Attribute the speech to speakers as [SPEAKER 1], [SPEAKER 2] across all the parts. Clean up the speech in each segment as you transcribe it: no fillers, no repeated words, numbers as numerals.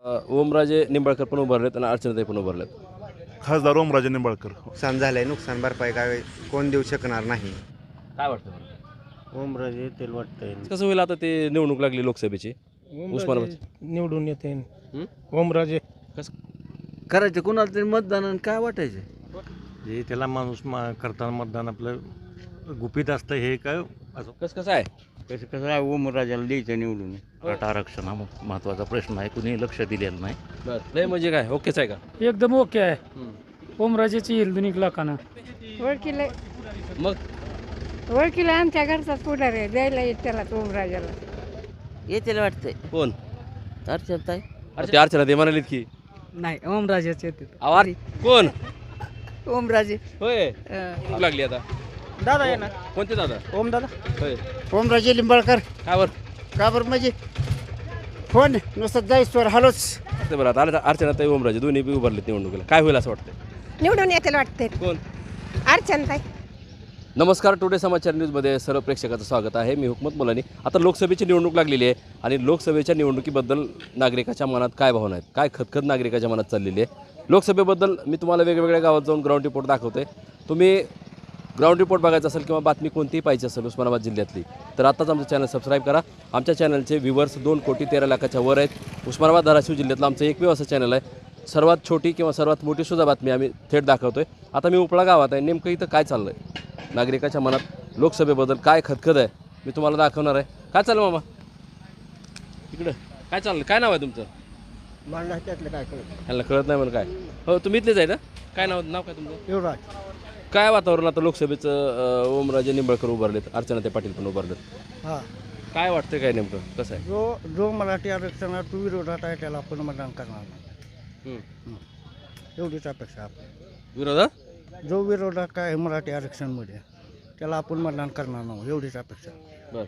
[SPEAKER 1] ओमराजे निंबाळकर पण उभारलेत आणि अर्चनाताई पण उभारलेत.
[SPEAKER 2] खासदार ओमराजे निंबाळकर.
[SPEAKER 3] नुकसान झालंय, नुकसान भरपाई काय कोण देऊ शकणार नाही.
[SPEAKER 1] काय वाटतं बरं?
[SPEAKER 4] ओमराजे येतील वाटतंय.
[SPEAKER 1] कसं होईल आता ते निवडणूक लागली लोकसभेची उस्मानाबाद
[SPEAKER 4] निवडून येते
[SPEAKER 1] हं?
[SPEAKER 4] ओमराजे
[SPEAKER 5] करायचं कोणाला तरी मतदान आणि काय वाटायचं.
[SPEAKER 4] हे त्याला माणूस करताना मतदान आपलं गुपित असतं. हे काय असं
[SPEAKER 1] कसं आहे
[SPEAKER 5] कसं कसं आहे, ओमराजाला द्यायचं निवडून. मराठा आरक्षण हा महत्त्वाचा प्रश्न आहे, कुणी लक्ष दिलेलं नाही.
[SPEAKER 1] बरं लय म्हणजे काय ओकेच आहे का?
[SPEAKER 6] एकदम ओके आहे. ओमराजेची येईल दोन्ही लोकांना.
[SPEAKER 7] ओळखीला
[SPEAKER 1] मग
[SPEAKER 7] ओळखीला आमच्या घरचाच पुढार आहे, द्यायला येत त्याला ओमराजाला.
[SPEAKER 5] येतील वाटतंय
[SPEAKER 1] कोण?
[SPEAKER 5] अर्चनाताई.
[SPEAKER 1] अरे ते अर्चना ते म्हणालीत की
[SPEAKER 6] नाही ओमराजेचे येते.
[SPEAKER 1] आवाज कोण
[SPEAKER 7] ओमराजे
[SPEAKER 1] होय निवडणूक लागली आता.
[SPEAKER 4] दादा येणार.
[SPEAKER 1] कोणते दादा?
[SPEAKER 4] ओम दादा.
[SPEAKER 1] होय
[SPEAKER 3] ओमराजे लिंबाळकर.
[SPEAKER 1] काय बरं
[SPEAKER 3] का बरं म्हणजे फोन नुसतं जाईस्वर हलोच.
[SPEAKER 1] ते बरं आता अर्चनाताई ओमराजे दोन्ही बी उभारलेत निवडणुकीला. काय होईल असं वाटतं?
[SPEAKER 7] निवडून येतील वाटते.
[SPEAKER 1] कोण?
[SPEAKER 7] अर्चनाताई.
[SPEAKER 1] नमस्कार, टुडे समाचार न्यूजमध्ये सर्व प्रेक्षकाचं स्वागत आहे. मी हुकमत मुलानी. आता लोकसभेची निवडणूक लागलेली आहे आणि लोकसभेच्या निवडणुकीबद्दल नागरिकाच्या मनात काय भावना आहेत, काय खतखत नागरिकाच्या मनात चाललेली आहे. लोकसभेबद्दल मी तुम्हाला वेगवेगळ्या गावात जाऊन ग्राउंड रिपोर्ट दाखवते. तुम्ही ग्राउंड रिपोर्ट बघायचा असेल किंवा बातमी कोणतीही पाहिजे असेल उस्मानाबाद जिल्ह्यातली, तर आत्ताच आमचं चॅनल सबस्क्राईब करा. आमच्या चॅनलचे व्ह्यूवर्स 2,13,00,000च्या वर आहेत. उस्मानाबाद धाराशिव जिल्ह्यातलं आमचं एकमेव असं चॅनल आहे. सर्वात छोटी किंवा सर्वात मोठी सुद्धा बातमी आम्ही थेट दाखवतो आहे. आता मी उपळा गावात आहे. नेमकं इथं काय चाललं आहे, नागरिकाच्या मनात लोकसभेबद्दल काय खतखत आहे, मी तुम्हाला दाखवणार आहे. काय चाललं मामा इकडं? काय चाललं? काय नाव आहे तुमचं?
[SPEAKER 3] मला त्यातलं काय कळत
[SPEAKER 1] ह्याला कळत नाही म्हणून काय? हो तुम्ही इथलेच आहे ना? काय नाव काय तुमचं?
[SPEAKER 3] युवराज.
[SPEAKER 1] काय वातावरण आता लोकसभेचं? ओमराजे निंबाळकर उभारलेत, अर्चनाताई पाटील पण उभारलेत.
[SPEAKER 3] हां,
[SPEAKER 1] काय वाटतं काय नेमकं कसं आहे?
[SPEAKER 3] जो मराठी आरक्षणात विरोधात आहे त्याला आपण मतदान करणार नाही. एवढीच अपेक्षा आपण.
[SPEAKER 1] विरोधात?
[SPEAKER 3] जो विरोधात काय आहे मराठी आरक्षणमध्ये त्याला आपण मतदान करणार नाही, एवढीच अपेक्षा.
[SPEAKER 1] बरं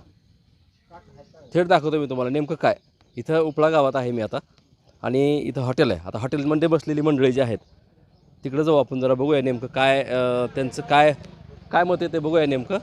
[SPEAKER 1] थेट दाखवतो मी तुम्हाला नेमकं काय. इथं उपळा गावात आहे मी आता आणि इथं हॉटेल आहे. आता हॉटेलमध्ये बसलेली मंडळी जी आहेत तिकडं जाऊ आपण, जरा बघूया नेमकं काय त्यांचं काय काय मत आहे ते बघूया. नेमकं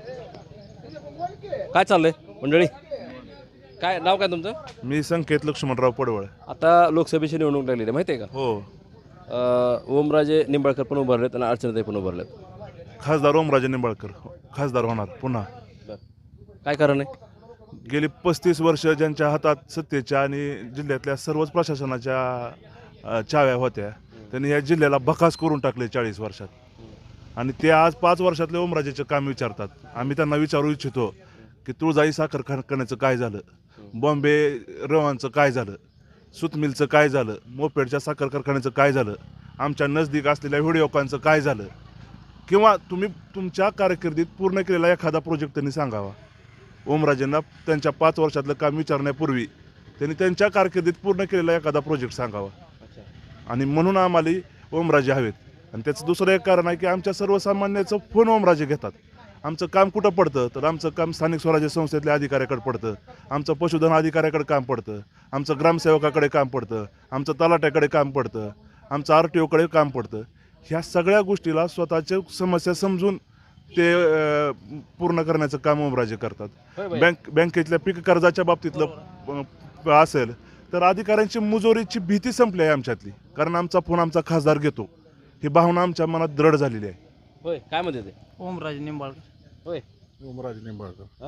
[SPEAKER 1] काय चाललंय मंडळी? काय नाव काय तुमचं?
[SPEAKER 2] मी संकेत लक्ष्मणराव पडवळ.
[SPEAKER 1] आता लोकसभेची निवडणूक लागलेली आहे माहिती आहे का?
[SPEAKER 2] हो.
[SPEAKER 1] ओमराजे निंबाळकर पण उभारलेत आणि अर्चनाताई पण उभारलेत.
[SPEAKER 2] खासदार ओमराजे निंबाळकर खासदार होणार पुन्हा.
[SPEAKER 1] काय कारण आहे?
[SPEAKER 2] गेली 35 वर्ष ज्यांच्या हातात सत्तेच्या आणि जिल्ह्यातल्या सर्वच प्रशासनाच्या चाव्या होत्या, त्यांनी या जिल्ह्याला बकास करून टाकले 40 वर्षात. आणि ते आज 5 वर्षातले ओमराजेचे काम विचारतात. आम्ही त्यांना विचारू इच्छितो की तुळजाई साखर कारखान्याचं काय झालं, बॉम्बे रवांचं काय झालं, सुतमिलचं काय झालं, मोपेडच्या साखर कारखान्याचं काय झालं, आमच्या नजदीक असलेल्या व्हिडिओकॉनचं काय झालं, किंवा तुम्ही तुमच्या कारकिर्दीत पूर्ण केलेला एखादा प्रोजेक्ट त्यांनी सांगावा. ओमराजेंना त्यांच्या 5 वर्षातलं काम विचारण्यापूर्वी त्यांनी त्यांच्या कारकिर्दीत पूर्ण केलेला एखादा प्रोजेक्ट सांगावा. आणि म्हणून आम्हाला ओमराजे हवेत. आणि त्याचं दुसरं एक कारण आहे की आमच्या सर्वसामान्याचं फोन ओमराजे घेतात. आमचं काम कुठं पडतं तर आमचं काम स्थानिक स्वराज्य संस्थेतल्या अधिकाऱ्याकडे पडतं, आमचं पशुधन अधिकाऱ्याकडे काम पडतं, आमचं ग्रामसेवकाकडे काम पडतं, आमचं तलाट्याकडे काम पडतं, आमचं RTOकडे काम पडतं. ह्या सगळ्या गोष्टीला स्वतःच्या समस्या समजून ते पूर्ण करण्याचं काम ओमराजे करतात. बँकेतल्या पीक कर्जाच्या बाबतीतलं असेल तर अधिकाऱ्यांची मुजोरीची भीती संपली आहे आमच्यातली, कारण आमचा फोन आमचा खासदार घेतो, ही भावना आमच्या मनात दृढ झालेली आहे.
[SPEAKER 1] होय काय म्हणते ते?
[SPEAKER 4] ओमराजे निंबाळकर.
[SPEAKER 1] होय
[SPEAKER 2] ओमराजे निंबाळकर.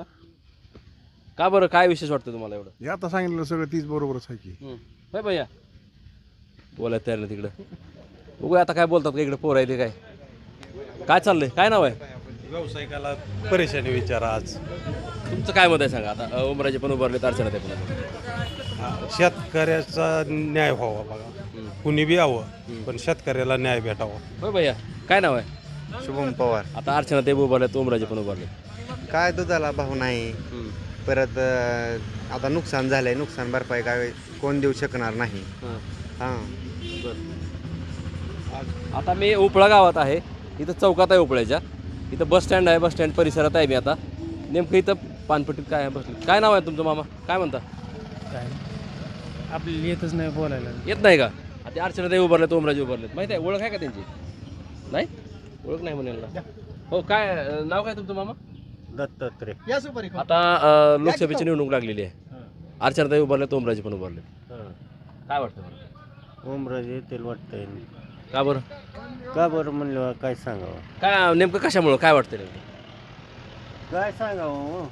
[SPEAKER 1] का बरं काय विशेष वाटतं तुम्हाला एवढं?
[SPEAKER 2] हे आता सांगितलं सगळं तीच बरोबरच आहे की.
[SPEAKER 1] होय भैया बोलायला तयार नाही तिकडं. बघूया आता काय बोलतात का इकडे पोर आहे ते काय काय चाललंय? काय नाव आहे?
[SPEAKER 4] व्यावसायिकाला परेशानी विचारा. आज
[SPEAKER 1] तुमचं काय मत आहे सांगा. आता ओमराजे पण उभारले, अर्चनाताई पण उभारले.
[SPEAKER 4] शेतकऱ्याचा न्याय व्हावा बघा. कुणी बी यावं पण शेतकऱ्याला न्याय भेटावा.
[SPEAKER 1] होय भैया काय नाव आहे?
[SPEAKER 3] शुभम पवार.
[SPEAKER 1] आता अर्चनाताई उभारलेत, ओमराजे पण उभारले.
[SPEAKER 3] काय दुधाला भाव नाही. परत आता नुकसान झालंय, नुकसान भरपाई काय कोण देऊ शकणार नाही. हां,
[SPEAKER 1] आता मी उपळा गावात आहे. इथं चौकात आहे उपळ्याच्या. इथं बस स्टँड आहे. बस स्टँड परिसरात आहे मी आता. नेमकं इथं पानपट्टीत काय आहे बसले. काय नाव आहे तुमचं मामा? काय म्हणता?
[SPEAKER 6] काय आपल्याला येतच नाही बोलायला.
[SPEAKER 1] येत नाही का? ते अर्चनाताई उभारलेत, ओमराजे उभारलेत. माहिती आहे? ओळख आहे का त्यांची? नाही ओळख नाही म्हणायला. हो काय नाव काय तुमचं मामा?
[SPEAKER 4] दत्तात्रय.
[SPEAKER 1] आता लोकसभेची निवडणूक लागलेली आहे. अर्चनाताई उभारलेत, ओमराजे पण उभारलेत. काय वाटतं बरं?
[SPEAKER 8] ओमराजे येतील वाटतंय.
[SPEAKER 1] का बरं?
[SPEAKER 8] का बरं म्हणलं काय सांगावं,
[SPEAKER 1] काय नेमकं कशामुळं काय वाटतं नेमकं?
[SPEAKER 8] काय सांगावं.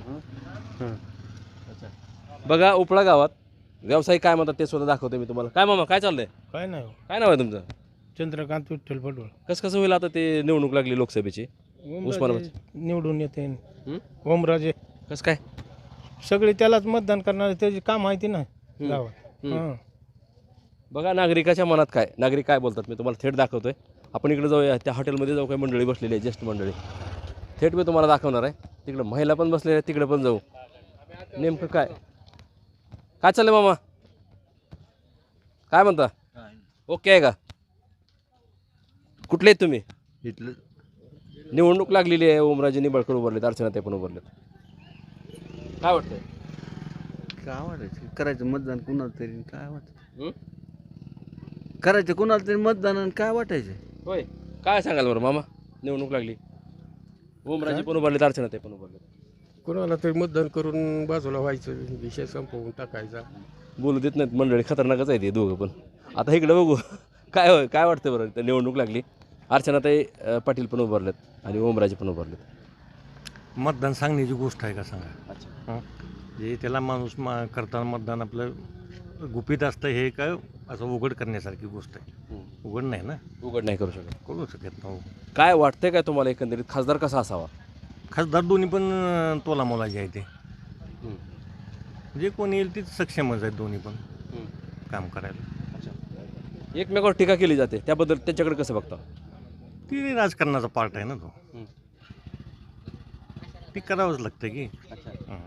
[SPEAKER 1] बघा उपळा गावात व्यावसायिक काय म्हणतात ते सुद्धा दाखवतो मी तुम्हाला. काय मामा काय चाललंय?
[SPEAKER 8] काय नाही
[SPEAKER 1] काय नाव आहे तुमचं?
[SPEAKER 8] चंद्रकांत विठ्ठल पडवळ.
[SPEAKER 1] कसं होईल आता ते निवडणूक लागली लोकसभेची उस्मानाबाद
[SPEAKER 8] निवडून येते.
[SPEAKER 1] हं?
[SPEAKER 8] ओमराजे
[SPEAKER 1] कसं काय?
[SPEAKER 8] सगळे त्यालाच मतदान करणारे, त्याची काम माहिती ना गावात.
[SPEAKER 1] हं. बघा नागरिकाच्या मनात काय, नागरिक काय बोलतात मी तुम्हाला थेट दाखवतोय. आपण इकडे जाऊया, त्या हॉटेलमध्ये जाऊ, काही मंडळी बसलेली आहे, ज्येष्ठ मंडळी. थेट मी तुम्हाला दाखवणार आहे. तिकडे महिला पण बसलेल्या आहेत, तिकडे पण जाऊ. नेमकं काय काय चाललंय मामा? काय म्हणता? ओके आहे का? कुठले आहेत तुम्ही?
[SPEAKER 9] इथलं
[SPEAKER 1] निवडणूक लागलेली आहे, ओमराजे निंबाळकर उभारलेत, अर्चना ते पण उभारलेत. काय वाटतंय?
[SPEAKER 9] काय वाटायचं करायचं मतदान कुणाला तरी, काय वाटत
[SPEAKER 1] हं?
[SPEAKER 9] करायचं कुणाला तरी मतदान आणि काय वाटायचं.
[SPEAKER 1] होय, काय सांगाल बरं मामा? निवडणूक लागली, ओमराजे पण उभारलेत, अर्चना ते पण उभारलेत.
[SPEAKER 8] कोणाला तरी मतदान करून बाजूला व्हायचं, विषय संपवून टाकायचा.
[SPEAKER 1] बोलू देत नाहीत मंडळी, खतरनाकच आहे ते दोघं पण. आता इकडे बघू काय होय, काय वाटतं बरं? तर निवडणूक लागली, अर्चनाताई पाटील पण उभारलेत आणि ओमराजे पण उभारलेत.
[SPEAKER 4] मतदान सांगण्याची गोष्ट आहे का सांगा.
[SPEAKER 1] अच्छा.
[SPEAKER 4] हं? जे त्याला माणूस करताना मतदान आपलं गुपित असतं, हे काय असं उघड करण्यासारखी गोष्ट आहे. उघड नाही ना,
[SPEAKER 1] उघड नाही करू शकत.
[SPEAKER 4] करू शकत नाही.
[SPEAKER 1] काय वाटतंय काय तुम्हाला एकंदरीत खासदार कसा असावा?
[SPEAKER 4] खासदार दोन्ही पण तोला मोलाचे आहे ते. जे कोणी येईल तीच सक्षमच आहेत दोन्ही पण काम करायला.
[SPEAKER 1] एकमेकावर टीका केली जाते, त्याबद्दल त्याच्याकडे कसं बघता?
[SPEAKER 4] ती राजकारणाचा पार्ट आहे ना तो. ती करावंच लागतं की. हं.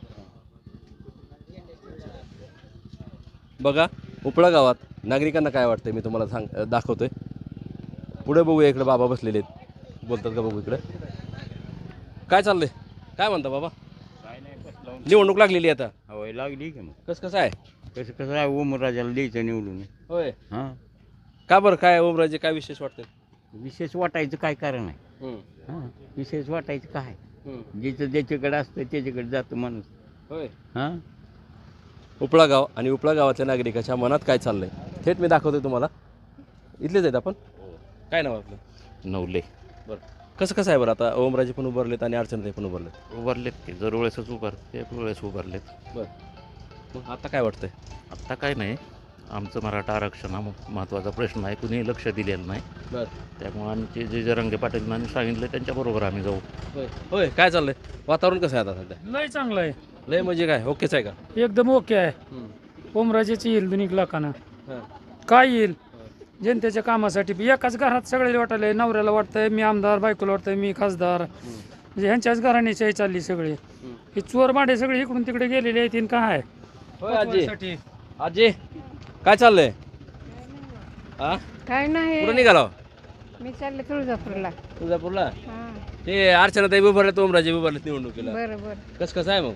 [SPEAKER 1] बघा उपळा गावात नागरिकांना काय वाटतंय मी तुम्हाला दाखवतोय. पुढे बघूया, इकडे बाबा बसलेले आहेत, बोलतात का बघू इकडे. काय चाललंय? काय म्हणता बाबा? निवडणूक लागलेली आहे आता.
[SPEAKER 5] होय लागली की मग
[SPEAKER 1] कसं आहे?
[SPEAKER 5] कसं आहे, ओमराजाला द्यायचं निवडून.
[SPEAKER 1] होय,
[SPEAKER 5] हां,
[SPEAKER 1] का बरं? काय ओमराजे काय विशेष वाटतंय?
[SPEAKER 5] विशेष वाटायचं काय कारण आहे. हां, विशेष वाटायचं काय, ज्याचं ज्याच्याकडे असतं त्याच्याकडे जातो माणूस.
[SPEAKER 1] होय.
[SPEAKER 5] हां,
[SPEAKER 1] उपळा गाव आणि उपळा गावातल्या नागरिकाच्या मनात काय चाललंय थेट मी दाखवतोय तुम्हाला. इथलेच आहेत आपण. काय नाव आपलं?
[SPEAKER 5] नवले
[SPEAKER 1] बरं, कसं आहे बरं? आता ओमराजे पण उभारलेत आणि अर्चनाताई पण उभारलेत.
[SPEAKER 5] उभारलेत की, जर वेळेसच उभारते वेळेस उभारलेत.
[SPEAKER 1] बरं, मग आता काय वाटतंय?
[SPEAKER 5] आत्ता काय नाही, आमचं मराठा आरक्षण हा महत्त्वाचा प्रश्न आहे, कुणीही लक्ष दिलेलं नाही.
[SPEAKER 1] बरं,
[SPEAKER 5] त्यामुळे आमचे जे जरांगे पाटीलांनी सांगितलं त्यांच्याबरोबर आम्ही जाऊ.
[SPEAKER 1] होय होय. काय चाललंय? वातावरण कसं आहे आता सध्या?
[SPEAKER 6] लय चांगलं आहे,
[SPEAKER 1] लय म्हणजे काय, ओकेच आहे का?
[SPEAKER 6] एकदम ओके आहे. ओमराजेची येईल दोन्ही लाखांना.
[SPEAKER 1] हां.
[SPEAKER 6] काय येईल जनतेच्या कामासाठी. एकाच घरात सगळ्याला वाटायला, नवऱ्याला वाटतंय मी आमदार, बायकोला वाटतंय मी खासदार. म्हणजे ह्यांच्याच घराण्याची आई चालली सगळी. हे चोर माडे सगळे इकडून तिकडे गेलेले आहेत. काय
[SPEAKER 1] होय आजी, आजी काय चाललंय? हा,
[SPEAKER 7] काय नाही,
[SPEAKER 1] कुठं निघाला?
[SPEAKER 7] मी चालले तुळजापूरला.
[SPEAKER 1] तुळजापूरला.
[SPEAKER 7] हां,
[SPEAKER 1] ते अर्चनाताई उभारलेत, ओमराजे उभारलेत निवडणुकीला.
[SPEAKER 7] बरं बरं
[SPEAKER 1] कसं आहे मग?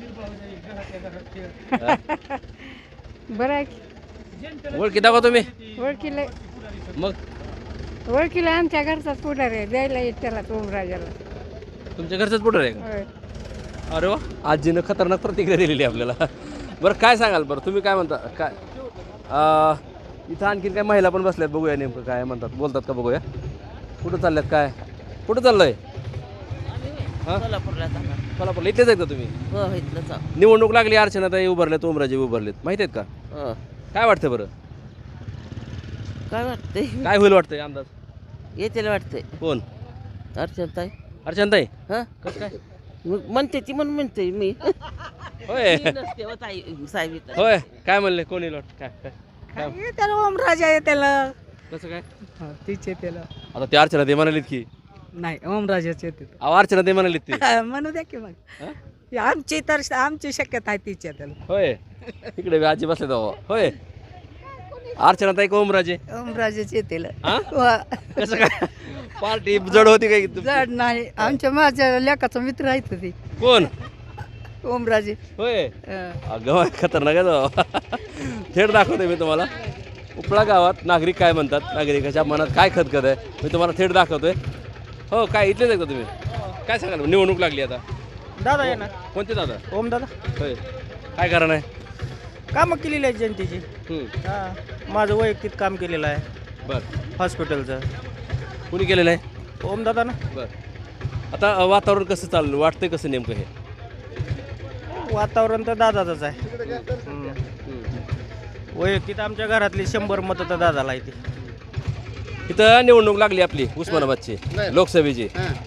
[SPEAKER 7] बरं आहे की.
[SPEAKER 1] ओळखी दाखवा तुम्ही.
[SPEAKER 7] ओळखीला
[SPEAKER 1] मग
[SPEAKER 7] ओळखीला आमच्या घरचाच पुढारी आहे, द्यायला येत त्याला ओमराजाला.
[SPEAKER 1] तुमच्या घरचंच पुढं आहे का?
[SPEAKER 7] होय.
[SPEAKER 1] अरे वा, आजीनं खतरनाक प्रतिक्रिया दिलेली आहे आपल्याला. बरं काय सांगाल बरं, तुम्ही काय म्हणता? काय इथं आणखीन काय महिला पण बसल्यात, बघूया नेमकं काय म्हणतात, बोलतात का बघूया. कुठं चालल्यात, काय कुठं चाललंय? हां, सोलापूरला. इथलेच आहेत का तुम्ही?
[SPEAKER 10] हो इथलंच
[SPEAKER 1] निवडणूक लागली, अर्चनाताई उभारलेत, ओमराजे उभारलेत, माहिती आहेत का?
[SPEAKER 10] हो.
[SPEAKER 1] काय वाटतं बरं?
[SPEAKER 10] काय वाटतंय,
[SPEAKER 1] काय होईल वाटतंय अंदाज?
[SPEAKER 10] येतेला वाटतंय
[SPEAKER 1] कोण?
[SPEAKER 10] अर्चनताई.
[SPEAKER 1] अर्चनाताई.
[SPEAKER 10] हां,
[SPEAKER 1] कसं काय?
[SPEAKER 10] मग म्हणते ती म्हणून म्हणते मी.
[SPEAKER 1] होय
[SPEAKER 10] मी नसते हो ताई, साहेब इथं.
[SPEAKER 1] होय. काय म्हणले, कोण येईल वाटतं? काय काय
[SPEAKER 7] त्याला ओमराजा आहे त्याला.
[SPEAKER 1] कसं काय?
[SPEAKER 7] तिचे त्याला
[SPEAKER 1] आता ते अर्चनाताई म्हणालीत की,
[SPEAKER 7] नाही, ओमराजाचे येते.
[SPEAKER 1] अर्चनाताई म्हणालीत ते.
[SPEAKER 7] म्हणू द्या की मग. आमची तर आमची शक्यता आहे तिच्या त्याला.
[SPEAKER 1] होय, इकडे बी आजी बसले जाऊ. होय, अर्चनाताई का ओमराजे?
[SPEAKER 7] ओमराजाचे येते.
[SPEAKER 1] कसं काय? पार्टी जड होती काय तुमची?
[SPEAKER 7] जड नाही, आमच्या माझ्या लेकाचा मित्र आहे ते
[SPEAKER 1] कोण?
[SPEAKER 7] ओमराजे.
[SPEAKER 1] होय, अगं खतरनाक आहे जाऊ. थेट दाखवते मी तुम्हाला. उपळा गावात नागरिक काय म्हणतात, नागरिकाच्या मनात काय खतखत आहे मी तुम्हाला थेट दाखवतोय. हो, काय इथलेच आहे का तुम्ही? काय सांगाल, निवडणूक लागली आता?
[SPEAKER 8] दादा येणार.
[SPEAKER 1] कोणते दादा?
[SPEAKER 8] ओम दादा.
[SPEAKER 1] होय, काय कारण आहे?
[SPEAKER 11] कामं केलेली आहेत जनतेची. माझं वैयक्तिक काम केलेलं आहे
[SPEAKER 1] बरं
[SPEAKER 11] हॉस्पिटलचं.
[SPEAKER 1] कुणी केलेलं आहे?
[SPEAKER 11] ओमदादा ना.
[SPEAKER 1] बरं आता वातावरण कसं चाललं वाटतंय कसं नेमकं हे?
[SPEAKER 11] वातावरण तर दादाचंच आहे. वैयक्तिक आमच्या घरातली 100 मतं तर दादाला येते.
[SPEAKER 1] इथं निवडणूक लागली आपली उस्मानाबादची लोकसभेची.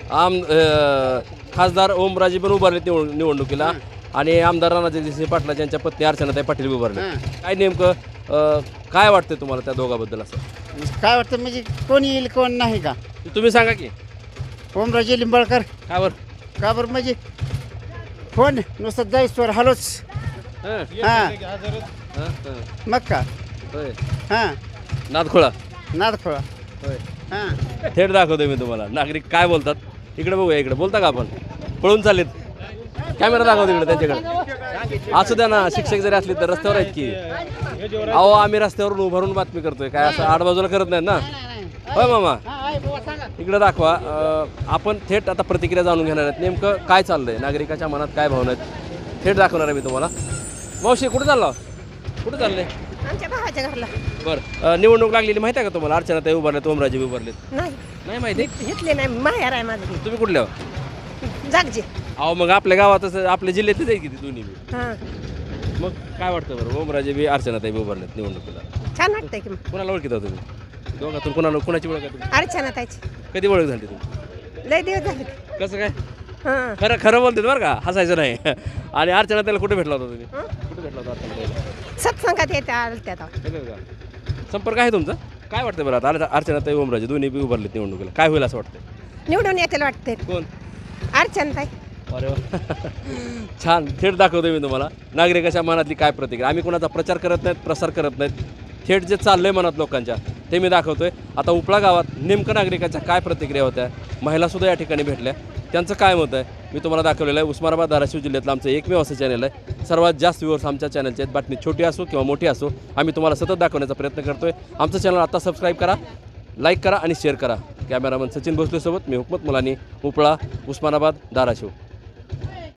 [SPEAKER 1] खासदार ओमराजे पण उभारलेत निवडणुकीला आणि आमदार राणाजगदीश पाटला यांच्या पत्नी अर्चनाताई पाटील उभारले. काय नेमकं काय वाटतंय तुम्हाला त्या दोघाबद्दल? असं
[SPEAKER 12] काय वाटतं म्हणजे कोण येईल कोण नाही का?
[SPEAKER 1] तुम्ही सांगा की.
[SPEAKER 12] ओमराजे लिंबाळकर.
[SPEAKER 1] का बरं?
[SPEAKER 12] का बरं म्हणजे कोण नुसतं जाईस्वर हलोच. हां मग का?
[SPEAKER 1] होय
[SPEAKER 12] हां
[SPEAKER 1] नादखोळा
[SPEAKER 12] नादखोळा.
[SPEAKER 1] होय
[SPEAKER 12] हां
[SPEAKER 1] थेट दाखवतोय मी तुम्हाला. नागरिक काय बोलतात इकडे बघूया. इकडे बोलता का आपण? पळून चाललेत. कॅमेरा दाखवतो इकडे त्यांच्याकडे. असू द्या ना, शिक्षक जरी असले तर रस्त्यावर आहेत की. अहो आम्ही रस्त्यावरून उभारून बातमी करतोय काय असं आडबाजूला करत नाहीत ना. होय मामा इकडे दाखवा. आपण थेट आता प्रतिक्रिया जाणून घेणार आहेत नेमकं काय चाललंय नागरिकाच्या मनात काय भावना आहेत थेट दाखवणार आहे मी तुम्हाला. मावशी कुठे चालला? कुठे चाललंय?
[SPEAKER 7] आमच्या भावाच्या घरला.
[SPEAKER 1] बरं निवडणूक लागलेली माहिती आहे का तुम्हाला? अर्चनाताई उभारलेत ओमराजे उभारलेत.
[SPEAKER 7] नाही
[SPEAKER 1] नाही माहिती?
[SPEAKER 7] घेतले नाही. माहेर आहे माझं.
[SPEAKER 1] तुम्ही कुठल्या?
[SPEAKER 7] जागजे.
[SPEAKER 1] अहो मग आपल्या गावातच आपल्या जिल्ह्यातच आहे की ते दोन्ही बी.
[SPEAKER 7] हां
[SPEAKER 1] मग काय वाटतं बरं? ओमराजे बी अर्चनाताई बी उभारलेत निवडणुकीला.
[SPEAKER 7] छान वाटतंय की.
[SPEAKER 1] कुणाला ओळखीता तुम्ही? दोघातून कुणाची ओळख आहे तुम्ही?
[SPEAKER 7] अर्चना ताईची
[SPEAKER 1] कधी ओळख झाली तुम्ही?
[SPEAKER 7] लय दिवस झाले.
[SPEAKER 1] कसं काय?
[SPEAKER 7] हां
[SPEAKER 1] खरं खरं बोलते बरं का, हसायचं नाही. आणि अर्चनाताईला कुठे भेटला होता तुम्ही? कुठे भेटला होता अर्चनाताईला?
[SPEAKER 7] सत्संगात येते त्यात.
[SPEAKER 1] संपर्क आहे तुमचा? काय वाटतं बरं आता अर्चनाताई ओमराजे दोन्ही बी उभारलेत निवडणुकीला काय होईल असं वाटतं?
[SPEAKER 7] निवडून येते वाटते.
[SPEAKER 1] कोण?
[SPEAKER 7] अर्चना ताई.
[SPEAKER 1] अरे वा. छान थेट दाखवतो मी तुम्हाला नागरिकाच्या मनातली काय प्रतिक्रिया. आम्ही कोणाचा प्रचार करत नाहीत प्रसार करत नाहीत. थेट जे चाललंय मनात लोकांच्या ते मी दाखवतोय. आता उपळा गावात नेमकं नागरिकाच्या काय प्रतिक्रिया होत्या, महिलासुद्धा या ठिकाणी भेटल्या, त्यांचं काय मत आहे मी तुम्हाला दाखवलेलं आहे. उस्मानाबाद धाराशिव जिल्ह्यातलं आमचं एकमेव असं चॅनल आहे. सर्वात जास्त व्ह्यूअर्स आमच्या चॅनलचे आहेत. बातमी छोटी असो किंवा मोठी असो आम्ही तुम्हाला सतत दाखवण्याचा प्रयत्न करतोय. आमचं चॅनल आता सबस्क्राईब करा, लाईक करा आणि शेअर करा. कॅमेरामन सचिन भोसलेसोबत मी हुकमत मुलानी, उपळा, उस्मानाबाद, धाराशिव.